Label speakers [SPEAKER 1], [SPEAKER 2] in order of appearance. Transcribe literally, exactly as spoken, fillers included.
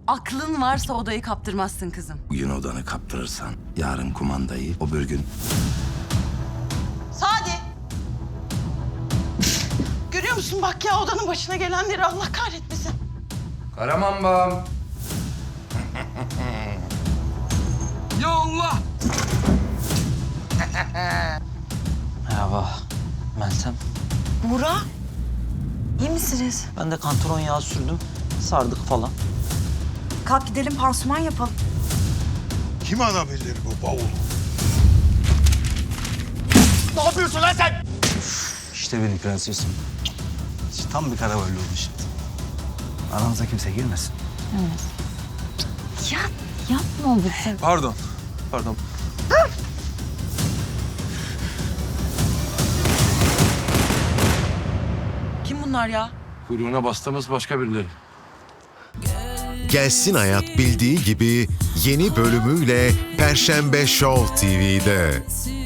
[SPEAKER 1] Aklın varsa odayı kaptırmazsın kızım.
[SPEAKER 2] Bugün odanı kaptırırsan yarın kumandayı o bir gün...
[SPEAKER 3] Sadi. Görüyor musun bak ya odanın başına gelenleri Allah kahretmesin.
[SPEAKER 2] Karamambam.
[SPEAKER 4] Ya Allah!
[SPEAKER 5] Merhaba, Meltem.
[SPEAKER 3] Burak. İyi misiniz?
[SPEAKER 5] Ben de kantaron yağı sürdüm, sardık falan.
[SPEAKER 1] Kalk gidelim pansuman yapalım.
[SPEAKER 6] Kim alabilir bu bavulu?
[SPEAKER 4] Ne yapıyorsun lan sen?
[SPEAKER 7] İşte benim prensesim. İşte tam bir karavalli oldu şimdi. Aranıza kimse girmesin.
[SPEAKER 1] Ya yapma lütfen.
[SPEAKER 4] Pardon, pardon.
[SPEAKER 1] Kim bunlar ya?
[SPEAKER 7] Kuyruğuna bastığımız başka birileri.
[SPEAKER 8] Gelsin Hayat bildiği gibi yeni bölümüyle Perşembe Show T V'de.